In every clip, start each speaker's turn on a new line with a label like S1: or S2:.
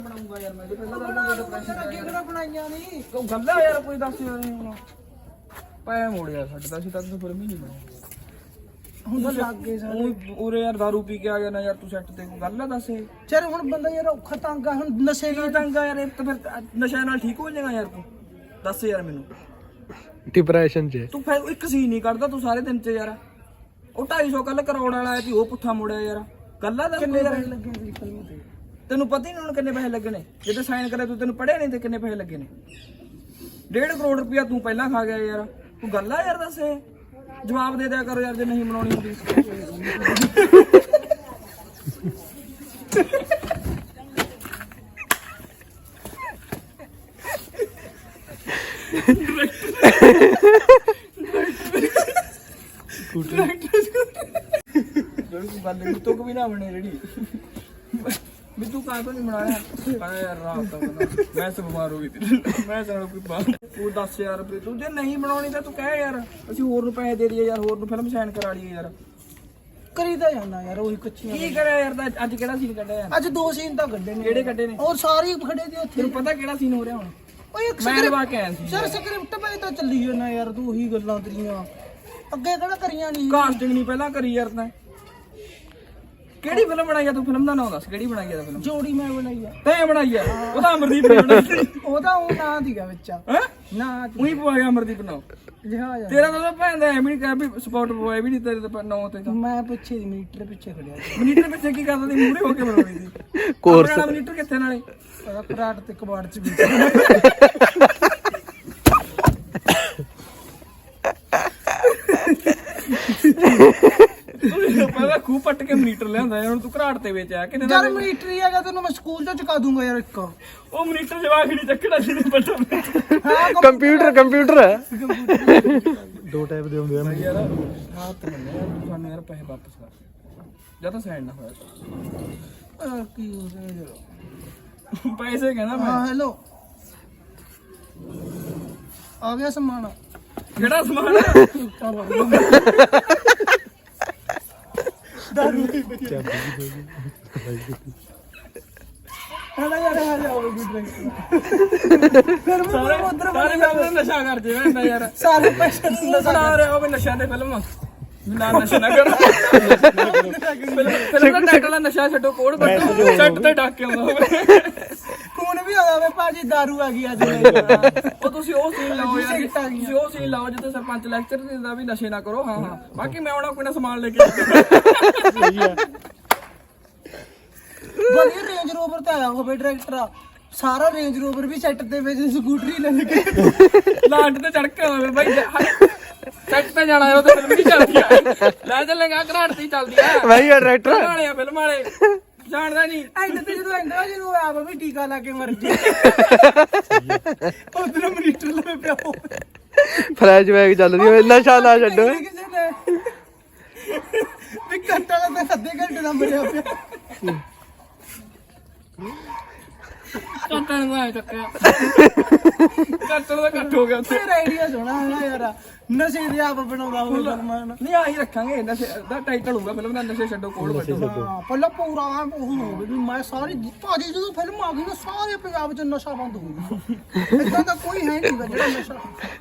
S1: ਬਣਾਉਂਗਾ ਯਾਰ ਮੈਂ ਪਹਿਲਾਂ
S2: ਅੱਗੇ ਕਿਹੜਾ ਬਣਾਈਆਂ ਨਹੀਂ
S1: ਤੂੰ ਗੱਲਾਂ ਯਾਰ ਕੋਈ ਦੱਸ ਯਾਰ ਹੁਣ ਪੈ ਮੋੜਿਆ ਛੱਡਦਾ ਸੀ ਤਾਂ ਫਿਰ ਵੀ ਨਹੀਂ ਬਣਾਉਂਦਾ
S2: ਹੁਣ ਤਾਂ ਲੱਗ ਗਏ ਸਾਰੇ
S1: ਉਰੇ ਯਾਰ ਦਾਰੂ ਪੀ ਕੇ ਆ ਗਿਆ ਨਾ ਯਾਰ ਤੂੰ ਸੈੱਟ ਤੇ ਕੋਈ ਗੱਲ ਆ ਦੱਸ
S2: ਚਲ ਹੁਣ ਬੰਦਾ ਯਾਰ ਔਖਾ ਤੰਗ ਆ ਹੁਣ ਨਸ਼ੇ
S1: ਕੀ ਤੰਗ ਆ ਯਾਰ ਇਹ ਤਾਂ ਫਿਰ ਨਸ਼ੇ ਨਾਲ ਠੀਕ ਹੋ ਜਾਏਗਾ ਯਾਰ ਤੂੰ ਦੱਸ ਯਾਰ ਮੈਨੂੰ
S3: ਡਿਪਰੈਸ਼ਨ 'ਚ
S1: ਤੂੰ ਫਿਰ ਇੱਕ ਸੀ ਨਹੀਂ ਕਰਦਾ ਤੂੰ ਸਾਰੇ ਦਿਨ 'ਚ ਯਾਰ ਉਹ 250 ਕੱਲ ਕਰੋੜ ਵਾਲਾ ਆਇਆ ਸੀ ਉਹ ਪੁੱਠਾ ਮੁੜਿਆ ਯਾਰ ਗੱਲਾਂ ਦਾ
S2: ਕਿੰਨੇ ਪੈਸੇ ਲੱਗੇ ਸੀ ਫਿਲਮ ਤੇ
S1: ਤੈਨੂੰ ਪਤਾ ਹੀ ਨਹੀਂ ਹੁਣ ਕਿੰਨੇ ਪੈਸੇ ਲੱਗੇ ਨੇ ਜਦੋਂ ਸਾਈਨ ਕਰਿਆ ਤੂੰ ਤੈਨੂੰ ਪੜਿਆ ਨਹੀਂ ਤੇ ਕਿੰਨੇ ਪੈਸੇ ਲੱਗੇ ਨੇ 1.5 ਕਰੋੜ ਰੁਪਇਆ ਤੂੰ ਪਹਿਲਾਂ ਖਾ ਗਿਆ ਯਾਰ ਤੂੰ ਗੱਲ ਆ ਯਾਰ ਦੱਸ ਜਵਾਬ ਦੇ ਦਿਆ ਕਰੋ ਯਾਰ ਜੇ ਨਹੀਂ ਬਣਾਉਣੀ ਹੁੰਦੀ ਗੱਲ ਤੂੰ ਵੀ ਨਾ ਬਣੇ ਜਿਹੜੀ ਵੀ ਤੂੰ ਕਾਹ ਤੋਂ ਨਹੀਂ ਬਣਾਇਆ ਯਾਰ ਰਾਤ ਦਾ ਮੈਂ ਸੇ ਬਿਮਾਰ ਹੋ ਗਈ ਮੈਂ ਸਾਰਾ ਕੋਈ ਬਾਤ ਤੂੰ ਦੱਸ ਯਾਰ ਤੂੰ ਜੇ ਨਹੀਂ ਬਣਾਉਣੀ ਤਾਂ ਤੂੰ ਕਹਿ ਯਾਰ ਅਸੀਂ ਹੋਰ ਨੂੰ ਪੈਸੇ ਦੇ ਦਈਏ ਯਾਰ ਹੋਰ ਨੂੰ ਫਿਲਮ ਸਾਈਨ ਕਰਾ ਲਈਏ ਯਾਰ
S2: ਕਰੀਦਾ ਜਾਂਦਾ ਯਾਰ ਉਹੀ ਕੱਚੀਆਂ
S1: ਕੀ ਕਰਿਆ ਯਾਰ ਤਾਂ ਅੱਜ ਕਿਹੜਾ ਸੀਨ ਕੱਢਿਆ ਯਾਰ
S2: ਅੱਜ 2 ਸੀਨ ਤਾਂ ਕੱਢੇ ਨੇ
S1: ਕਿਹੜੇ ਕੱਢੇ ਨੇ
S2: ਔਰ ਸਾਰੇ ਖੜੇ ਤੇ ਉੱਥੇ
S1: ਤੈਨੂੰ ਪਤਾ ਕਿਹੜਾ ਸੀਨ ਹੋ ਰਿਹਾ ਹੁਣ
S2: ਓਏ ਇੱਕ
S1: ਮੈਂ ਲਵਾ ਕੇ ਆਇਆ ਸੀ
S2: ਸਰ ਸਕ੍ਰਿਪਟ ਪਏ ਤਾਂ ਚੱਲੀ ਜਾਂਦਾ ਯਾਰ ਤੂੰ ਉਹੀ ਗੱਲਾਂ ਤੇਰੀਆਂ ਅੱਗੇ ਕਿਹੜਾ ਕਰੀਆਂ ਨਹੀਂ
S1: ਕਾਸਟਿੰਗ ਨਹੀਂ ਪਹਿਲਾਂ ਕਰੀ ਯਾਰ ਤਾਂ ਕਿਹੜੀ ਫਿਲਮ ਬਣਾਈ ਆ ਤੂੰ ਫਿਲਮ ਦਾ ਨਾਮ ਦੱਸ ਕਿਹੜੀ ਬਣਾਈ ਆ ਫਿਲਮ
S2: ਜੋੜੀ ਮੈਂ ਬਣਾਈ ਆ
S1: ਤੈਂ ਬਣਾਈ ਆ ਉਹਦਾ ਅਮਰਦੀਪ ਨੇ ਬਣਾਈ
S2: ਉਹਦਾ ਉਹ ਨਾਂ ਦੀਗਾ ਵਿੱਚ
S1: ਹੈ
S2: ਨਾ
S1: ਉਹੀ ਪਵਾ ਗਿਆ ਅਮਰਦੀਪ ਨਾਮ
S2: ਜਹਾਜ਼
S1: ਤੇਰਾ ਤਾਂ ਭੈਣ ਦਾ ਐਵੇਂ ਨਹੀਂ ਕਹਿ ਵੀ ਸਪੋਰਟ ਪਵਾਇਆ ਵੀ ਨਹੀਂ ਤੇਰੇ ਤਾਂ ਨਾਂ ਤੇ ਤਾਂ
S2: ਮੈਂ ਪਿੱਛੇ ਮੀਟਰ ਪਿੱਛੇ ਖੜਿਆ
S1: ਮਨੀਟਰ ਪਿੱਛੇ ਕੀ ਕਰਦਾ ਸੀ ਮੂਹਰੇ ਹੋ ਕੇ ਬਣਾਉਣੀ ਸੀ
S3: ਕੋਰਸ
S1: ਮਨੀਟਰ ਕਿੱਥੇ ਨਾਲੇ
S2: ਉਹਦਾ ਕਰਾਟ ਤੇ ਕਬਾੜ ਚ ਵੀ
S1: ਪਹਿਲਾਂ ਖੂਹ ਪੱਟ ਕੇ ਮਨੀਟਰ ਲਿਆਂਦਾ ਯਾਰ ਹੁਣ ਤੂੰ ਘਰਾਟ ਤੇ ਵਿੱਚ ਆ ਕਿੰਨੇ
S2: ਯਾਰ ਮੀਟਰ ਹੀ ਹੈਗਾ ਤੈਨੂੰ ਮੈਂ ਸਕੂਲ ਚ ਚੁਕਾ ਦੂੰਗਾ ਯਾਰ ਇੱਕ
S1: ਉਹ ਮਨੀਟਰ ਜਵਾਕ ਨਹੀਂ ਚੱਕਣਾ ਸੀ ਪਤਾ
S2: ਹਾਂ
S3: ਕੰਪਿਊਟਰ ਹੈ 2 ਟਾਈਪ ਦੇ ਹੁੰਦੇ ਆ
S1: ਯਾਰ ਰਾਤ ਮੰਨੇ ਸਾਨੂੰ ਯਾਰ ਪੈਸੇ ਵਾਪਸ ਕਰ ਜਾਂ ਤਾਂ ਸਾਈਨ ਨਾ ਹੋਇਆ
S2: ਕੀ ਹੋ ਰਿਹਾ
S1: ਪੈਸੇ ਕਹਿੰਦਾ ਮੈਂ
S2: ਹਾਂ ਹੈਲੋ ਆ ਗਿਆ ਸਮਾਨ
S1: ਕਿਹੜਾ ਸਮਾਨ
S2: ਦਾਰੂ ਦੀ ਹਲਾ ਯਾਰ ਆ ਜਾਓਗੇ ਫਿਰ ਮੈਂ ਉਧਰ
S1: ਸਾਰੇ ਫਿਲਮ ਨਸ਼ਾ ਕਰ ਜੇ ਮੈਂ ਯਾਰ
S2: ਸਾਰੇ ਪੈਸੇ
S1: ਬਣਾ ਰਿਹਾ ਉਹ ਨਸ਼ਾ ਦੇ ਫਿਲਮ ਨਾ ਨਸ਼ਾ ਨਾ ਕਰ ਫਿਲਮ ਦਾ ਟਾਈਟਲ ਨਸ਼ਾ ਛੱਡੋ ਕੋਡ ਬੱਟੋ ਸੈੱਟ ਤੇ ਡੱਕ ਕੇ ਆਉਂਦਾ ਹੋਵੇ
S2: ਫੋਨ ਵੀ ਆਦਾ ਵੇ ਭਾਜੀ ਦਾਰੂ ਆ ਗਈ ਅੱਜ
S1: ਉਹ ਤੁਸੀਂ ਉਹ ਸੀਨ ਲਾਓ ਯਾਰ ਤੁਸੀਂ ਉਹ ਸੀਨ ਲਾਓ ਜਿੱਥੇ ਸਰਪੰਚ ਲੈਕਚਰ ਦਿੰਦਾ ਵੀ ਨਸ਼ੇ ਨਾ ਕਰੋ ਹਾਂ ਹਾਂ ਬਾਕੀ ਮੈਂ ਆਉਣਾ ਕੋਈ ਨਾ ਸਮਾਨ ਲੈ ਕੇ
S2: ਵਧੀਆ ਰੇਂਜ ਰੋਵਰ ਤੇ ਆਇਆ ਹੋਵੇ ਡਾਇਰੈਕਟਰ ਸਾਰਾ ਰੇਂਜ ਰੋਵਰ ਵੀ ਸੈੱਟ ਦੇ ਵਿੱਚ ਸਕੂਟਰੀ ਲੈ ਕੇ
S1: ਲਾਂਟ ਤੇ ਚੜ ਕੇ ਆਵੇ ਬਾਈ ਸੈੱਟ ਤੇ ਜਾਣਾ ਉਹ ਤੇ ਫਿਲਮ ਨਹੀਂ ਚੱਲਦੀ ਆ ਲੈ ਚੱਲੇਗਾ ਘਰਾਟ ਤੇ ਚੱਲਦੀ ਆ
S3: ਭਾਈ ਡਾਇਰੈਕਟਰ
S1: ਫਿਲਮ ਵਾਲੇ ਆ ਫਿਲਮ ਵਾਲੇ ਜਾਣਦਾ ਨਹੀਂ
S2: ਐਂਡ ਤੇ ਜਦੋਂ ਆਪ ਵੀ ਟੀਕਾ ਲਾ ਕੇ ਮਰ ਜੇ ਉਧਰ ਮਨੀਟਰ ਲੈ ਪਿਆ
S3: ਫਲੈਸ਼ਬੈਕ ਚੱਲ ਰਹੀ ਹੋਵੇ ਨਸ਼ਾ ਨਾ ਛੱਡੋ
S2: ਕਿਸੇ ਨੇ ਵੀ ਘੰਟਾ ਦਾ ਤਾਂ ਅੱਧੇ ਘੰਟੇ ਦਾ ਮਰਿਆ ਪਿਆ
S1: ਕੱਟਣ ਦਾ ਚੱਕਿਆ ਕੱਟਣ ਦਾ ਕੱਟ ਹੋ ਗਿਆ ਉੱਥੇ
S2: ਤੇਰਾ ਆਈਡੀਆ ਸੋਹਣਾ ਹੈ ਨਾ ਯਾਰ ਨਸ਼ੇ ਦੇ ਆਪ ਬਣਾਉਂਦਾ ਹੋਵੇ ਸਲਮਾਨ
S1: ਨਹੀਂ ਆਹੀ ਰੱਖਾਂਗੇ ਨਸ਼ੇ ਦਾ ਟਾਈਟਲ ਹੋਊਗਾ ਫਿਲਮ ਦਾ ਨਸ਼ੇ ਛੱਡੋ ਕੋਲ ਬੱਟੋ
S2: ਹਾਂ ਪਹਿਲਾਂ ਪੂਰਾ ਉਹ ਹੋਵੇ ਵੀ ਮੈਂ ਸਾਰੀ ਭਾਜੀ ਜਦੋਂ ਫਿਲਮ ਆ ਗਈ ਨਾ ਸਾਰੇ ਪੰਜਾਬ 'ਚ ਨਸ਼ਾ ਬੰਦ ਹੋ ਗਿਆ ਇਦਾਂ ਦਾ ਕੋਈ ਹੈ ਨਹੀਂ ਜਿਹੜਾ ਨਸ਼ਾ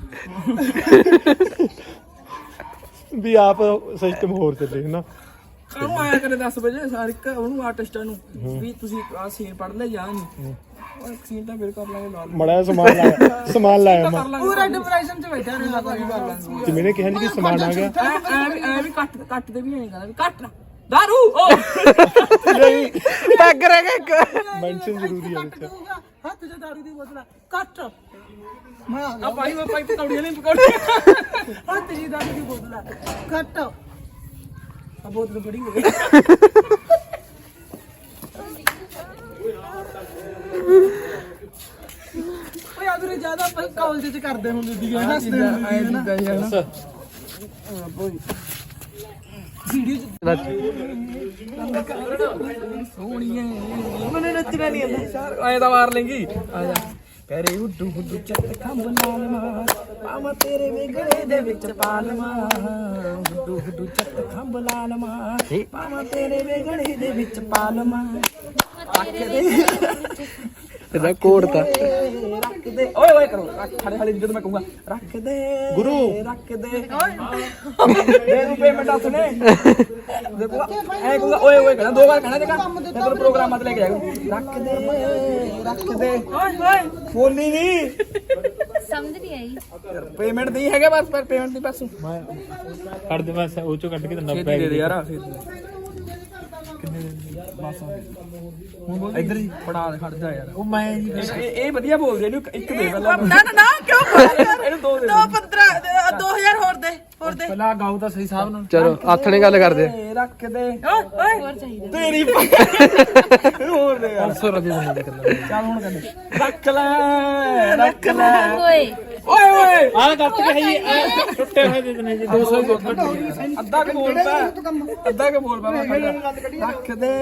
S3: ਵੀ ਆਪ ਸਿਸਟਮ ਹੋਰ ਚੱਲੇ ਨਾ
S1: ਕਾਹਨੂੰ ਆਇਆ ਕਰੇ 10 ਵਜੇ ਸਾਰੇ ਉਹਨੂੰ ਆਰਟਿਸਟਾਂ ਨੂੰ ਵੀ ਤੁਸੀਂ ਆ ਸੀਨ ਪੜ ਲੈ ਜਾਂ ਨਹੀਂ ਉਹ ਇੱਕ ਸੀਨ ਤਾਂ ਫਿਰ ਕਰ ਲਾਂਗੇ ਨਾਲ
S3: ਮੜਾ ਸਮਾਨ ਲਾਇਆ ਮੈਂ
S2: ਪੂਰਾ ਡਿਪਰੈਸ਼ਨ 'ਚ ਬੈਠਾ ਰਹਿੰਦਾ ਕੋਈ ਕਰ ਲੈਂਦਾ
S3: ਤੇ ਮੈਨੇ ਕਿਹਾ ਨਹੀਂ ਕਿ ਸਮਾਨ ਆ ਗਿਆ
S1: ਐ ਵੀ ਕੱਟ ਦੇ ਵੀ ਨਹੀਂ ਕਹਿੰਦਾ ਵੀ ਕੱਟ ਦਾਰੂ ਉਹ
S3: ਨਹੀਂ ਪੈਗ ਰਹਿ ਗਿਆ ਇੱਕ ਮੈਂਸ਼ਨ ਜ਼ਰੂਰੀ ਹੈ ਵਿੱਚ
S2: ਹੱਥ 'ਚ ਦਾਰੂ ਦੀ ਬੋਤਲ ਕੱਟ ਮੈਂ ਆ
S1: ਆ ਭਾਈ ਪਕੌੜੀਆਂ ਨਹੀਂ ਪਕੌੜੀਆਂ
S2: ਹੱਥ 'ਚ ਦਾਰੂ ਦੀ ਬੋਤਲ ਕੱਟ ਆ ਬੋਤਲ ਬੜੀ ਹੋ ਗਈ ਓਏ ਆਦਰੇ ਜ਼ਿਆਦਾ ਕਾਲਜ 'ਚ ਕਰਦੇ ਹੁੰਦੇ ਸੀ ਹੱਸਦੇ ਹੁੰਦੇ ਸੀ ਨਾ ਵੀਡੀਓ 'ਚ
S1: ਸੋਹਣੀਏ ਮੈਨੂੰ ਨੱਚਣਾ ਨਹੀਂ ਆਉਂਦਾ ਐ ਤਾਂ ਮਾਰ ਲੇਂਗੀ ਆ ਜਾ ਕਰੇ ਉੱਡੂ ਉੱਡੂ ਚੱਤ ਖੰਭ ਨਾਲ ਮਾਰ ਪਾਵਾਂ ਤੇਰੇ ਵੇਗੜੇ ਦੇ ਵਿੱਚ ਪਾਲਮਾ ਉੱਡੂ ਉੱਡੂ ਚੱਤ ਖੰਭ ਲਾਲ ਮਾਰ ਪਾਵਾਂ ਤੇਰੇ ਵੇਗੜੇ ਦੇ ਵਿੱਚ ਪਾਲਮਾ
S3: ਇਹਦਾ ਕੋਡ ਤਾਂ
S1: ਰੱਖ ਦੇ ਓਏ ਓਏ ਕਰੋ ਰੱਖ ਖੜੇ ਖੜੇ ਜਦੋਂ ਮੈਂ ਕਹੂੰਗਾ ਰੱਖ ਦੇ
S3: ਗੁਰੂ
S1: ਰੱਖ ਦੇ ਦੇ ਰੁਪਏ ਮੈਂ ਦੱਸ ਨੇ ਦੇਖੋ ਐ ਕਹੂੰਗਾ ਓਏ ਓਏ ਕਹਿਣਾ 2 ਵਾਰ ਕਹਿਣਾ ਜਗਾ ਤੈਨੂੰ ਪ੍ਰੋਗਰਾਮ ਮਤ ਲੈ ਕੇ ਜਾਏਗਾ ਰੱਖ ਦੇ ਓਏ ਓਏ ਬੋਲੀ ਨਹੀਂ
S4: ਸਮਝ ਨਹੀਂ ਆਈ
S1: ਪੇਮੈਂਟ ਨਹੀਂ ਹੈਗਾ ਬਸ ਪਰ ਪੇਮੈਂਟ ਦੀ ਬਸ
S3: ਮੈਂ ਕੱਢ ਦੇ ਮੈਂ ਉਹ ਚੋਂ ਕੱਢ ਕੇ ਦਿੰਦਾ
S1: ਛੇਤੀ ਦੇ ਦੇ ਯਾਰ ਕਿੰਨੇ ਬਸ ਹੁਣ ਇੱਧਰ ਹੀ ਫੜਾ ਦੇ ਖੜ ਜਾ ਯਾਰ
S3: ਉਹ ਮੈਂ ਜੀ
S1: ਇਹ ਵਧੀਆ ਬੋਲਦੇ ਇਹਨੂੰ ਇੱਕ ਦੇ ਪਹਿਲਾਂ
S2: ਨਾ ਕਿਉਂ
S1: ਇਹਨੂੰ 2 ਦੇ
S2: 15 2000 ਹੋਰ ਦੇ
S3: ਪਹਿਲਾਂ ਗਾਉ ਤਾਂ ਸਹੀ ਸਾਹਿਬ ਨਾਲ
S5: ਚਲੋ ਹੱਥ ਨੇ ਗੱਲ ਕਰਦੇ
S1: ਰੱਖ ਦੇ
S4: ਹੋਰ ਚਾਹੀਦਾ
S1: ਤੇਰੀ ਹੋਰ ਦੇ ਯਾਰ
S3: 500 ਰੁਪਏ ਦਿੰਦਾ ਦੇ ਕਰਦਾ
S1: ਚੱਲ ਹੁਣ ਕਹਿੰਦੇ ਰੱਖ ਲੈ
S4: ਓਏ
S1: ਓਏ ਓਏ
S3: ਆਹ ਕੱਟ ਕੇ ਜੀ ਟੁੱਟੇ ਹੋਏ ਦੇ ਦਿੰਦੇ ਜੀ 200
S1: ਅੱਧਾ ਕੇ ਬੋਲ ਪਾ ਮੈਂ ਰੱਖ ਦੇ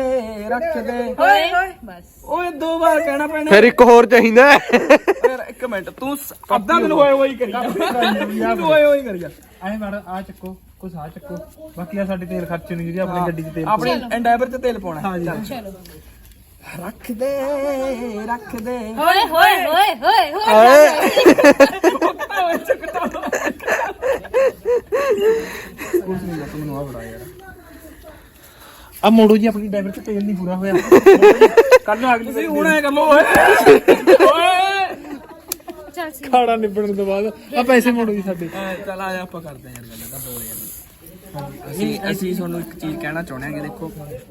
S4: ਓਏ ਬਸ
S1: ਓਏ 2 ਵਾਰ ਕਹਿਣਾ ਪੈਣਾ
S5: ਫਿਰ ਇੱਕ ਹੋਰ ਚਾਹੀਦਾ
S1: ਯਾਰ 1 ਮਿੰਟ ਤੂੰ ਅੱਧਾ ਦਿਨ ਹੋਏ ਹੋਈ ਕਰੀ ਤੂੰ ਹੋਏ ਕਰੀ ਜਾ
S3: ਐਂ ਮਾਰ ਆ ਚੱਕੋ ਕੁਛ ਆ ਚੱਕੋ ਬਾਕੀ ਆ ਸਾਡੇ ਤੇਲ ਖਰਚ ਨਹੀਂ ਜੀ ਆਪਣੀ ਗੱਡੀ 'ਚ ਤੇਲ
S1: ਆਪਣੀ ਐਂਡਾਈਵਰ ਚ ਤੇਲ ਪਾਉਣਾ
S3: ਹਾਂ ਜੀ
S4: ਚਲੋ
S1: ਰੱਖ ਦੇ
S4: ਓਏ ਹੋਏ ਹੋਏ ਹੋਏ ਹੋਏ
S1: ਕੁਝ ਨਹੀਂ ਲੱਤ ਮੈਨੂੰ ਆ ਬੜਾ ਯਾਰ
S3: ਆ ਮੋੜੋ ਜੀ ਆਪਣੀ ਡਰਾਈਵਰ 'ਚ ਤੇਲ ਨਹੀਂ ਪੂਰਾ ਹੋਇਆ
S1: ਕੱਲ ਨੂੰ ਅਗਲੀ ਸੀ ਹੁਣ ਐ ਕਰ ਲੋ ਓਏ
S4: ਚੱਲ ਸੀ
S3: ਖਾੜਾ ਨਿਬੜਨ ਤੋਂ ਬਾਅਦ ਆ ਪੈਸੇ ਮੋੜੋ ਜੀ ਸਾਡੇ
S1: ਚੱਲ ਆ ਆਪਾਂ ਕਰਦੇ ਆਂ ਯਾਰ ਗੱਲ ਤਾਂ ਬੋਲ ਯਾਰ ਅਸੀਂ ਤੁਹਾਨੂੰ ਇੱਕ ਚੀਜ਼ ਕਹਿਣਾ ਚਾਹੁੰਦੇ ਹਾਂ ਕਿ ਦੇਖੋ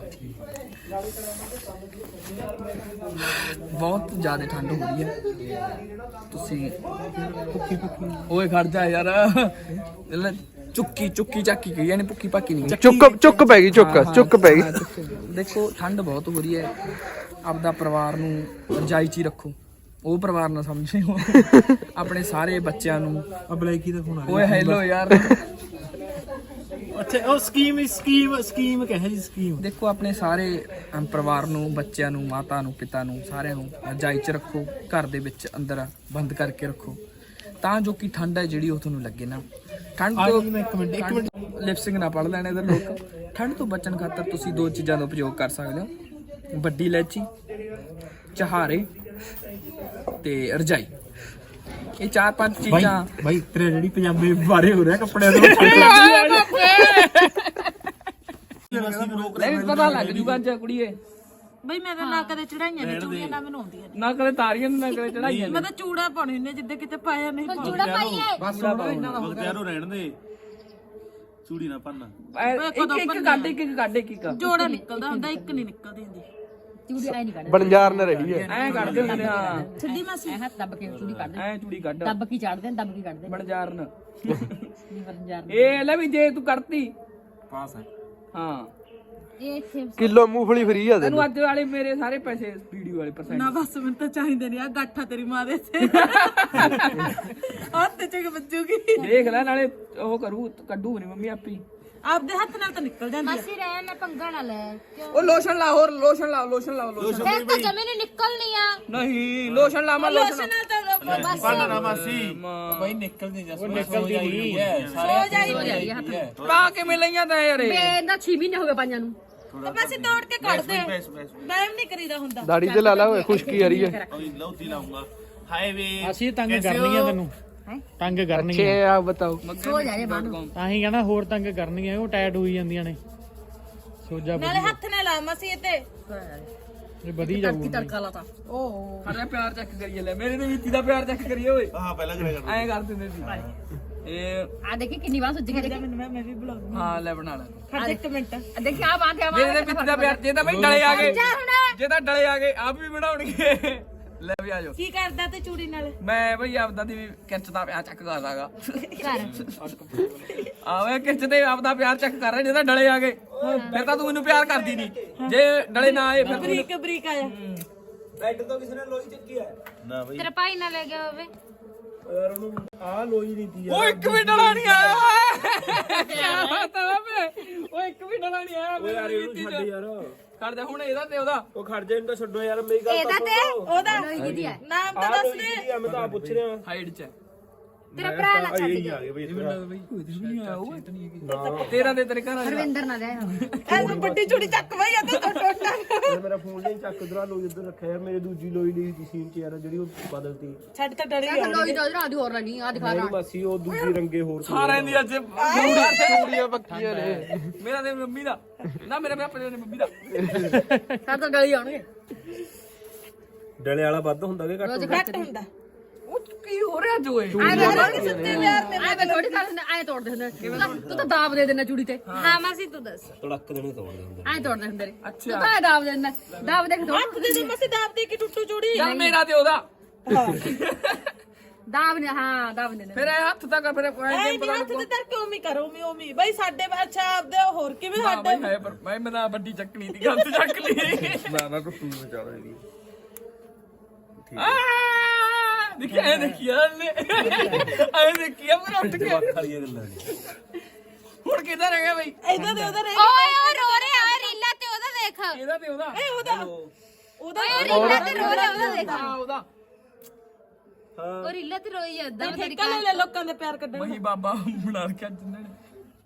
S1: ਬਹੁਤ ਜ਼ਿਆਦਾ ਠੰਡ ਹੋ ਰਹੀ ਹੈ ਤੁਸੀਂ ਓਏ ਖੜ ਜਾ ਯਾਰ ਚੁੱਕੀ ਚਾਕੀ ਕਹੀ ਯਾਨੀ ਭੁੱਕੀ ਪਾਕੀ ਨਹੀਂ
S5: ਚੁੱਕ ਪੈ ਗਈ ਚੁੱਕ ਪੈ ਗਈ
S1: ਦੇਖੋ ਠੰਡ ਬਹੁਤ ਹੋ ਰਹੀ ਹੈ ਆਪਦਾ ਪਰਿਵਾਰ ਨੂੰ ਰਜਾਈ 'ਚ ਹੀ ਰੱਖੋ ਉਹ ਪਰਿਵਾਰ ਨਾ ਸਮਝਿਓ ਆਪਣੇ ਸਾਰੇ ਬੱਚਿਆਂ ਨੂੰ
S3: ਆ ਬਲੈਕੀ ਦਾ ਫੋਨ ਆ
S1: ਓਏ ਹੈਲੋ ਯਾਰ
S3: ਅੱਛਾ ਉਹ ਸਕੀਮ ਕਹੇ ਜੀ ਸਕੀਮ
S1: ਦੇਖੋ ਆਪਣੇ ਸਾਰੇ ਪਰਿਵਾਰ ਨੂੰ ਬੱਚਿਆਂ ਨੂੰ ਮਾਤਾ ਨੂੰ ਪਿਤਾ ਨੂੰ ਸਾਰਿਆਂ ਨੂੰ ਰਜਾਈ 'ਚ ਰੱਖੋ ਘਰ ਦੇ ਵਿੱਚ ਅੰਦਰ ਬੰਦ ਕਰਕੇ ਰੱਖੋ ਤਾਂ ਜੋ ਕਿ ਠੰਡ ਹੈ ਜਿਹੜੀ ਉਹ ਤੁਹਾਨੂੰ ਲੱਗੇ ਨਾ ਠੰਡ ਤੋਂ
S3: ਇੱਕ ਮਿੰਟ
S1: ਲਿਪਸਿੰਗ ਨਾ ਪੜ ਲੈਣੇ ਇਧਰ ਲੋਕ ਠੰਡ ਤੋਂ ਬਚਣ ਖਾਤਰ ਤੁਸੀਂ 2 ਚੀਜ਼ਾਂ ਦਾ ਉਪਯੋਗ ਕਰ ਸਕਦੇ ਹੋ ਵੱਡੀ ਇਲਾਇਚੀ ਚਹਾਰੇ ਤੇ ਰਜਾਈ ਇਹ 4-5 ਚੀਜ਼ਾਂ
S3: ਬਾਈ ਤੇਰੇ ਜਿਹੜੀ ਪੰਜਾਬੀ ਬਾਰੇ ਹੋ ਰਿਹਾ ਕੱਪੜਿਆਂ ਦੇ
S1: ਲੈ ਪਤਾ ਲੱਗ ਜੂਗਾ ਅੱਜ ਕੁੜੀਏ
S2: ਬਈ ਮੈਂ ਤਾਂ ਨਾ ਕਦੇ ਚੜਾਈਆਂ ਨੇ ਚੂੜੀਆਂ ਨਾ ਮੈਨੂੰ ਆਉਂਦੀਆਂ
S1: ਨਾ ਕਦੇ ਤਾਰੀਆਂ ਨਾ ਕਦੇ ਚੜਾਈਆਂ
S2: ਮੈਂ ਤਾਂ ਚੂੜਾ ਪਾਉਣੀ ਹੁੰਦੀ ਜਿੱਦੇ ਕਿਤੇ ਪਾਇਆ ਨਹੀਂ
S4: ਚੂੜਾ ਪਾਈਏ
S3: ਬਸ ਬਗਤਿਆਰੋ ਰਹਿਣ ਦੇ ਚੂੜੀ ਨਾ ਪੰਨਾ
S1: ਇੱਕ ਕੱਢ
S2: ਜੋੜਾ ਨਿਕਲਦਾ ਹੁੰਦਾ ਇੱਕ ਨਹੀਂ ਨਿਕਲਦੀ ਹੁੰਦੀ
S4: ਚੂੜੀ ਐ ਨਹੀਂ ਕੱਢ
S5: ਬਣਜਾਰ ਨਾ ਰਹੀ ਹੈ
S1: ਐ ਕੱਢਦੇ ਹੁੰਦੇ ਹਾਂ
S2: ਛੱਡੀ ਮਾਸੀ
S4: ਐ ਹੱਥ ਦੱਬ ਕੇ ਚੂੜੀ ਕੱਢ ਦੇ
S1: ਐ ਚੂੜੀ ਕੱਢ
S4: ਦੱਬ ਕੀ ਚੜਦੇ ਨੇ ਦੱਬ ਕੀ ਕੱਢਦੇ
S1: ਬਣਜਾਰਨ
S4: ਨਹੀਂ ਵਰਨਜਾਰ
S1: ਇਹ ਲੈ ਵੀ ਜੇ ਤੂੰ ਕੱਢਤੀ
S3: ਪਾਸ ਹੈ
S1: ਹਾਂ
S4: ਇਹ ਇੱਥੇ
S5: ਕਿਲੋ ਮੂੰਗਫਲੀ ਫਰੀ ਆ
S1: ਤੈਨੂੰ ਅੱਜ ਵਾਲੇ ਮੇਰੇ ਸਾਰੇ ਪੈਸੇ ਵੀਡੀਓ ਵਾਲੇ %
S2: ਨਾ ਬਸ ਮੈਨੂੰ ਤਾਂ ਚਾਹੀਦੇ ਨਹੀਂ ਆ ਗਾਠਾ ਤੇਰੀ ਮਾਂ ਦੇ ਤੇ ਹੱਥ ਚ ਵੱਜੂਗੀ
S1: ਦੇਖ ਲੈ ਨਾਲੇ ਉਹ ਕਰੂ ਕੱਢੂ ਨਹੀਂ ਮੰਮੀ ਆਪੀ
S2: ਆਪਦੇ ਹੱਥ ਨਾਲ ਤਾਂ ਨਿਕਲ ਜਾਂਦੀ ਆ
S4: ਮਾਸੀ ਰਹਿ ਨਾ ਪੰਗਾ ਨਾ ਲੈ ਕਿਉਂ
S1: ਉਹ ਲੋਸ਼ਨ ਲਾ ਹੋਰ ਲੋਸ਼ਨ ਲਾ
S4: ਫਿਰ ਤਾਂ ਜਮੇ ਨੂੰ ਨਿਕਲਣੀ ਆ
S1: ਨਹੀਂ ਲੋਸ਼ਨ ਲਾ ਮੈਂ ਲੋਸ਼ਨ
S2: ਨਾਲ ਤਾਂ
S4: ਬਸ
S3: ਨਾ ਮਾਸੀ ਬਾਈ ਨਿਕਲ ਨਹੀਂ ਜਾ ਨਿਕਲਦੀ ਨਹੀਂ
S4: ਹੋ ਜਾਈ ਹੱਥ ਨੂੰ
S1: ਪਾ ਕੇ ਮਿਲਈਆਂ ਤਾਂ ਯਾਰ
S4: ਬੇ ਇਹਦਾ 6 ਮਹੀਨੇ ਹੋ ਗਏ ਪਾਈਆਂ ਨੂੰ
S2: ਮਾਸੀ ਤੋੜ ਕੇ ਕੱਢ ਦੇ ਬੈਮ ਨਹੀਂ ਕਰੀਦਾ ਹੁੰਦਾ
S5: ਦਾੜੀ ਤੇ ਲਾ ਲਾ ਓਏ ਖੁਸ਼ਕੀ ਆ ਰਹੀ ਹੈ
S3: ਲੌਤੀ ਲਾਉਂਗਾ ਹਾਏ ਵੇ ਅਸੀਂ ਤੰਗ ਕਰਨੀਆਂ ਤੈਨੂੰ ਤੰਗ ਕਰਨੀਆਂ
S5: ਛੇ ਆ ਬਤਾਓ
S4: ਸੋ ਜਾ ਰੇ ਬਾਨੂੰ
S3: ਤਾਂ ਹੀ ਕਹਿੰਦਾ ਹੋਰ ਤੰਗ ਕਰਨੀਆਂ ਉਹ ਟਾਇਟ ਹੋਈ ਜਾਂਦੀਆਂ ਨੇ ਸੋਜਾ
S2: ਨਾਲੇ ਹੱਥ ਨਾਲ ਲਾ ਮਾਸੀ ਇਹ ਤੇ
S3: ਇਹ ਵਧੀ ਜਾਊਗਾ
S4: ਤੜਕਾ ਲਾਤਾ
S2: ਓ
S1: ਅਰੇ ਪਿਆਰ ਚੈੱਕ ਕਰੀਏ ਲੈ ਮੇਰੇ ਤੇ ਵੀਤੀ ਦਾ ਪਿਆਰ ਚੈੱਕ ਕਰੀਏ ਓਏ
S3: ਹਾਂ ਪਹਿਲਾਂ ਕਰਿਆ ਕਰ
S1: ਐਂ ਕਰ ਦਿੰਦੇ ਸੀ ਇਹ
S4: ਆ ਦੇਖੀ ਕਿੰਨੀ ਵਾਰ ਸੁੱਜ ਕੇ ਦੇਖੀ
S2: ਮੈਂ ਵੀ ਬੁਲਾਉਂਦੀ
S1: ਹਾਂ ਲੈ ਬਣਾ ਲੈ
S2: ਖੜ ਇੱਕ ਮਿੰਟ
S4: ਦੇਖੀ ਆ ਬਾਤ ਆ
S1: ਮੇਰੇ ਤੇ ਵੀਤੀ ਦਾ ਪਿਆਰ ਜੇ ਤਾਂ ਬਈ ਡਲੇ ਆ ਗਏ
S4: ਜਾ ਹੁਣ
S1: ਜੇ ਤਾਂ ਡਲੇ ਆ ਗਏ ਆਪ ਵੀ ਬਣਾਉਣਗੇ ਲੈ ਵੀ ਆ ਜਾਓ
S2: ਕੀ ਕਰਦਾ ਤੇ ਚੂੜੀ ਨਾਲ
S1: ਮੈਂ ਬਈ ਆਪਦਾ ਦੀ ਵੀ ਕਿਰਚ ਦਾ ਪਿਆਰ ਚੈੱਕ ਕਰਦਾਗਾ
S4: ਕਰ
S1: ਆਵੇ ਕਿਰਚ ਤੇ ਆਪਦਾ ਪਿਆਰ ਚੈੱਕ ਕਰ ਰਿਹਾ ਜੇ ਤਾਂ ਡਲੇ ਆ ਗਏ ਫਿਰ ਤਾਂ ਤੂੰ ਮੈਨੂੰ ਪਿਆਰ ਕਰਦੀ ਨਹੀਂ ਜੇ ਡਲੇ ਨਾ ਆਏ ਫਿਰ
S2: ਬਰੀਕ ਬਰੀਕ ਆਇਆ
S4: ਤੇਰਾ ਭਾਈ ਨਾ ਲੈ ਗਿਆ ਹੋਵੇ
S3: ਆ ਲੋਈ ਨਹੀਂ ਤੀ
S1: ਉਹ ਇੱਕ ਵੀ ਡਲਾ ਨਹੀਂ ਆਇਆ ਓਏ ਕੀ ਬਾਤ ਹੈ ਵੇ ਉਹ ਇੱਕ ਵੀ ਡਲਾ ਨਹੀਂ ਆਇਆ ਓਏ ਯਾਰ ਇਹਨੂੰ ਛੱਡ ਯਾਰ ਛੱਡ ਦੇ ਹੁਣ ਇਹਦਾ ਤੇ ਉਹਦਾ
S3: ਉਹ ਖੜ ਜਾ ਇਹਨੂੰ ਤਾਂ ਛੱਡੋ ਯਾਰ ਮੇਰੀ ਗੱਲ
S4: ਇਹਦਾ ਤੇ
S2: ਉਹਦਾ
S4: ਕਿਹਦੀ ਹੈ
S2: ਨਾਮ ਤਾਂ ਦੱਸ ਦੇ
S3: ਮੈਂ ਤਾਂ ਪੁੱਛ ਰਿਹਾ
S1: ਹਾਈਟ ਚ
S4: ਤੇਰਾ ਭਰਾ ਨਾ ਛੱਡ ਗਿਆ
S1: ਤੇਰਾ ਦੇ ਤੇਰੇ ਘਰ ਵਾਲੇ ਦਾ।
S4: ਰਵਿੰਦਰ ਨਾ ਦੇ
S2: ਐਨੂੰ ਵੱਡੀ ਚੂੜੀ ਚੱਕ ਬਈ ਅੱਧੇ ਤੋਂ ਟੋਟਾ
S3: ਮੇਰਾ ਫੋਨ ਨਹੀਂ ਚੱਕ ਉਧਰ ਲੋਈ ਉਧਰ ਰੱਖਿਆ ਯਾਰ ਮੇਰੇ ਦੂਜੀ ਲੋਈ ਲਈ ਸੀ ਸੀਨ ਚ ਯਾਰ ਜਿਹੜੀ ਉਹ ਬਦਲਤੀ
S2: ਛੱਡ ਤਾਂ ਡਰੀ
S4: ਲੋਈ ਦੋ ਜਰਾ ਦੀ ਹੋਰ ਨਹੀਂ ਆ ਦਿਖਾ
S3: ਨਹੀਂ ਮਾਸੀ ਉਹ ਦੂਜੀ ਰੰਗੇ ਹੋਰ ਸੀ।
S1: ਸਾਰਿਆਂ ਦੀ ਅੱਜ
S5: ਚੂੜੀਆਂ ਪੱਕੀਆਂ ਨੇ
S1: ਮੇਰਾ ਤੇ ਮੰਮੀ ਦਾ ਨਾ ਮੇਰੇ ਪਾਪਾ ਦੇ ਮੰਮੀ ਦਾ
S4: ਸਰ ਤਾਂ ਗਲੀ ਆਉਣਗੇ
S3: ਡਲੇ ਵਾਲਾ ਵੱਧ ਹੁੰਦਾ ਕਿ ਘੱਟ
S2: ਘੱਟ ਹੁੰਦਾ
S1: ਉਹ ਕੀ ਹੋ ਰਿਹਾ ਜੋਏ
S4: ਆਏ ਥੋੜੀ ਕਰ ਦਿੰਦੇ ਆਏ ਤੋੜ ਦੇ ਹੁੰਦੇ ਤੂੰ ਤਾਂ ਦਾਬ ਦੇ ਦੇਣਾ ਚੂੜੀ ਤੇ ਹਾਂ ਮਾਸੀ ਤੂੰ ਦੱਸ
S3: ਤੜਕ ਦੇਣੇ ਤੋੜਦੇ ਹੁੰਦੇ
S4: ਆਏ ਤੋੜ ਦੇ ਹੁੰਦੇ ਨੇ
S1: ਅੱਛਾ।
S4: ਤੂੰ ਤਾਂ ਦਾਬ ਦੇ ਦਿੰਦਾ ਦਾਬ ਦੇਖ ਤੋੜ
S2: ਹੱਥ ਦੇ ਮਸੇ ਦਾਬ ਦੇ ਕੇ ਟੁੱਟੂ ਚੂੜੀ
S1: ਚੱਲ ਮੇਰਾ ਤੇ ਉਹਦਾ
S4: ਦਾਬ ਨੇ ਹਾਂ ਦਾਬ ਦੇ
S1: ਫਿਰ ਇਹ ਹੱਥ ਤੱਕ ਫਿਰ ਕੋਈ
S2: ਐ
S1: ਨਹੀਂ
S2: ਨਹੀਂ ਹੱਥ ਦੇ ਤਰ ਕਿਉਂ ਵੀ ਕਰੋ ਉਮੀ ਬਈ ਸਾਡੇ ਅੱਛਾ ਆਪਦੇ ਹੋਰ ਕਿਵੇਂ
S1: ਹਾਂ
S2: ਸਾਡੇ
S1: ਬਈ ਹੈ ਪਰ ਮੈਂ ਨਾ ਵੱਡੀ ਚੱਕਣੀ ਦੀ ਗੱਲ ਤੇ ਚੱਕ ਲਈ
S3: ਨਾ ਨਾ ਟੁੱਟੂ ਵਿਚਾਰਾ ਇਹਦੀ
S1: ਦੇਖਿਆ ਇਹ ਦੇਖਿਆ ਨੇ ਆਏ ਦੇਖਿਆ ਮੈਂ ਉੱਠ ਕੇ
S3: ਖਾਲੀਆਂ ਗੱਲਾਂ ਨੇ
S1: ਹੁਣ ਕਿੱਧਰ ਰਹਿ ਗਿਆ ਬਈ
S2: ਇਦਾਂ ਦੇ ਉਹਦਾ
S4: ਓਏ ਓ ਰੋ ਰਿਹਾ ਓਏ ਰੀਲਾ ਤੇ ਉਹਦਾ ਦੇਖ
S1: ਇਹਦਾ ਤੇ ਉਹਦਾ
S4: ਓਏ ਰੀਲਾ ਤੇ ਰੋ ਰਿਹਾ ਉਹਦਾ ਦੇਖ
S1: ਹਾਂ ਉਹਦਾ
S4: ਉਹ ਰੀਲਾ ਤੇ ਰੋਈ ਜਾਂਦਾ ਤੇਰੀ
S2: ਠੇਕਾ ਲੈ ਲੋਕਾਂ ਦੇ ਪਿਆਰ ਕੱਢਣ
S1: ਮਹੀ ਬਾਬਾ ਬਣਾ ਕੇ ਜਿੰਨਾਂ ਨੇ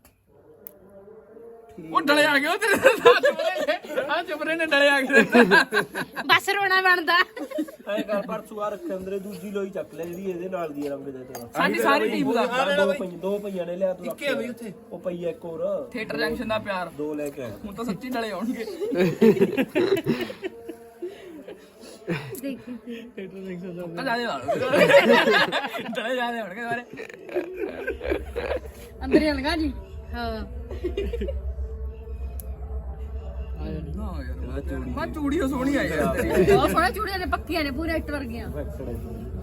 S1: ਉਹ ਡਲੇ ਆ ਗਏ ਉਹ ਤੇਰੇ ਆ ਚੁਬਰੇ ਨੇ ਡਲੇ ਆ ਗਏ
S4: ਬਸ ਰੋਣਾ ਬਣਦਾ
S3: ਐ ਕਰ ਪਰਸੂ ਆ ਰੱਖੇ ਅੰਦਰੇ ਦੂਜੀ ਲੋਈ ਚੱਕ ਲੈ ਜਿਹੜੀ ਇਹਦੇ ਨਾਲ ਦੀ ਰੰਗ ਦੇ ਤੇ
S1: ਸਾਡੀ ਸਾਰੀ ਟੀਮ ਦਾ
S3: ਦੋ ਪਈਆਂ ਨੇ ਲਿਆ ਤੂੰ ਇੱਕੇ ਬਈ ਉੱਥੇ ਉਹ ਪਈ ਇੱਕ ਹੋਰ
S1: ਥੀਏਟਰ ਜੰਕਸ਼ਨ ਦਾ ਪਿਆਰ
S3: ਦੋ ਲੈ ਕੇ ਆਇਆ
S1: ਹੁਣ ਤਾਂ ਸੱਚੀ ਡਲੇ ਆਉਣਗੇ
S4: ਦੇਖੀ
S1: ਤਾਂ ਜਾਦੇ ਡਲੇ ਜਾਦੇ ਆਉਣਗੇ ਸਾਰੇ
S4: ਅੰਦਰ ਹੀ ਲਗਾ ਜੀ ਹਾਂ
S1: ਨਾ ਯਾਰ ਮੈਂ ਚੂੜੀ ਸੋਹਣੀ ਆਈ ਯਾਰ ਤੇਰੀ
S4: ਬਹੁਤ ਸੋਹਣੇ ਚੂੜੀਆਂ ਨੇ ਪੱਕੀਆਂ ਨੇ ਪੂਰੇ ਇੱਟ ਵਰਗੀਆਂ
S3: ਐਕਸਲੈਂਟ